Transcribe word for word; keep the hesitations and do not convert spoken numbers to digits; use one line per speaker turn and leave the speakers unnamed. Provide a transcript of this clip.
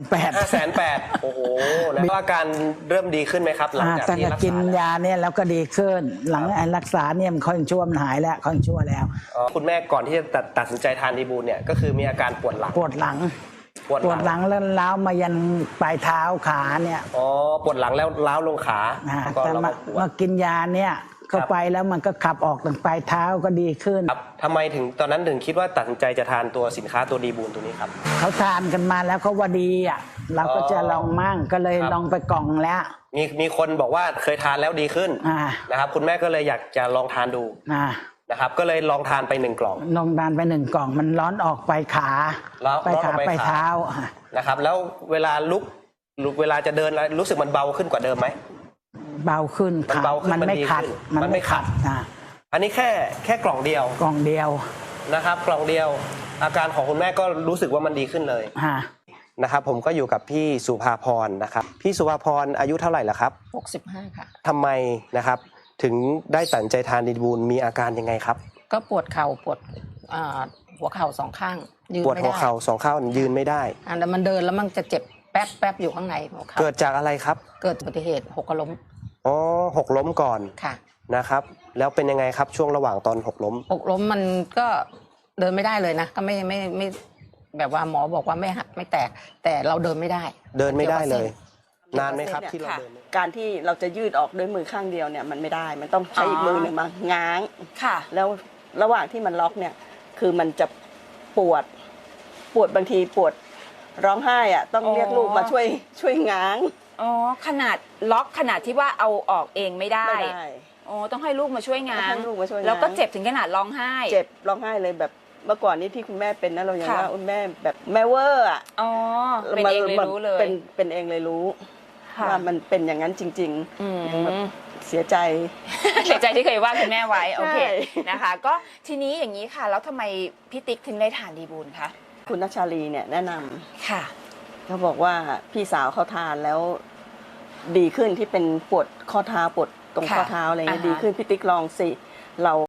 แปด
ห้าแสนแปดโอ้โหแล้วอาการเริ่มดีขึ้นไหมครับหลังจากที่รักษา
กินยาเนี่ยแล้วก็ดีขึ้น หลังรักษาเนี่ยมันค่อยชั่วมันหายแล้วค่อยชั่วแล้ว
คุณแม่ก่อนที่จะตัดตัดสินใจทานดีบูลเนี่ยก็คือมีอาการปวดหลัง
ปวดหลัง
ปวดหลัง
แล้วล้าวมายันปลายเท้าขาเนี่ย
อ๋อปวดหลังแล้วล้าวลงขา
แต่มามากินยาเนี่ยเข้าไปแล้วมันก็ขับออกถึงปลายเท้าก็ดีขึ้น
ครับทำไมถึงตอนนั้นถึงคิดว่าตัดสินใจจะทานตัวสินค้าตัวดีบูลตัวนี้ครับ
เขาทานกันมาแล้วเขาว่าดีอ่ะเราก็จะลองมั่งก็เลยลองไปกล่องแล้ว
มีมีคนบอกว่าเคยทานแล้วดีขึ้นนะครับคุณแม่ก็เลยอยากจะลองทานดูนะครับก็เลยลองทานไปหนึ่งกล่อง
ลองทานไปหนึ่งกล่องมันร้อนออกไปขา
ไป
ขาไปเท้า
นะครับแล้วเวลาลุกลุกเวลาจะเดินรู้สึกมันเบาขึ้นกว่าเดิมไหม
เบาขึ้น
มันเบาขึ้น
มันไม่ขัด
มันไม่ขัดอันนี้แค่แค่กล่องเดียว
กล่องเดียว
นะครับกล่องเดียวอาการของคุณแม่ก็รู้สึกว่ามันดีขึ้นเลยนะครับผมก็อยู่กับพี่สุภาพรนะครับพี่สุภาพรอายุเท่าไหร่ละครับ
หกสิบห้าค่ะ
ทำไมนะครับถึงได้ตัดสินใจทานดีบูลมีอาการยังไงครับ
ก็ปวดเข่าปวดหัวเข่าสองข้าง
ยืนไม่ได้ปวดหัวเข่าสองข้างยืนไม่ได้
อันนั้นมันเดินแล้วมันจะเจ็บแป๊บแป๊บอยู่ข้างในหัวเข่า
เกิดจากอะไรครับ
เกิดอุบัติเหตุหกล้ม
อ๋อหกล้มก่อน
ค่ะ
นะครับแล้วเป็นยังไงครับช่วงระหว่างตอนหกล้ม
หกล้มมันก็เดินไม่ได้เลยนะก็ไม่ไม่ไม่แบบว่าหมอบอกว่าไม่หักไม่แตกแต่เราเดินไม่ได้
เดินไม่ได้เลยนานไหมครับที่เราเดิน
การที่เราจะยืดออกด้วยมือข้างเดียวเนี่ยมันไม่ได้มันต้องใช้อีกมือหนึ่งมาง้าง
ค่ะ
แล้วระหว่างที่มันล็อกเนี่ยคือมันจะปวดปวดบางทีปวดร้องไห้อ่ะต้องเรียกลูกมาช่วยช่วยง้าง
อ๋อขนาดล็อกขนาดที่ว่าเอาออกเองไม่ได้อ๋อต้องให้ลูกมาช่วยง้างแล้วก็เจ็บถึงขนาดร้องไห้
เจ็บร้องไห้เลยแบบเมื่อก่อนนี้ที่คุณแม่เป็นนะเราอย่างว่าคุณแม่แบบแม่เวอร์อ่ะ
อ๋อเป็นเองเลยรู้เลย
เป็นเป็นเองเลยรู้ว่ามันเป็นอย่างนั้นจริงๆยังแบบเสียใจ
เสียใจที่เคยว่าคุณแม่ไว้โอเคนะคะก็ทีนี้อย่างนี้ค่ะแล้วทำไมพี่ติ๊กถึงได้ทานดีบูลคะ
คุณนัชชาลีเนี่ยแนะนำ
ค่ะ
เขาบอกว่าพี่สาวเขาทานแล้วดีขึ้นที่เป็นปวดข้อเท้าปวดตรงข้อเท้าอะไรเงี้ยดีขึ้นพี่ติ๊กลองสิเรา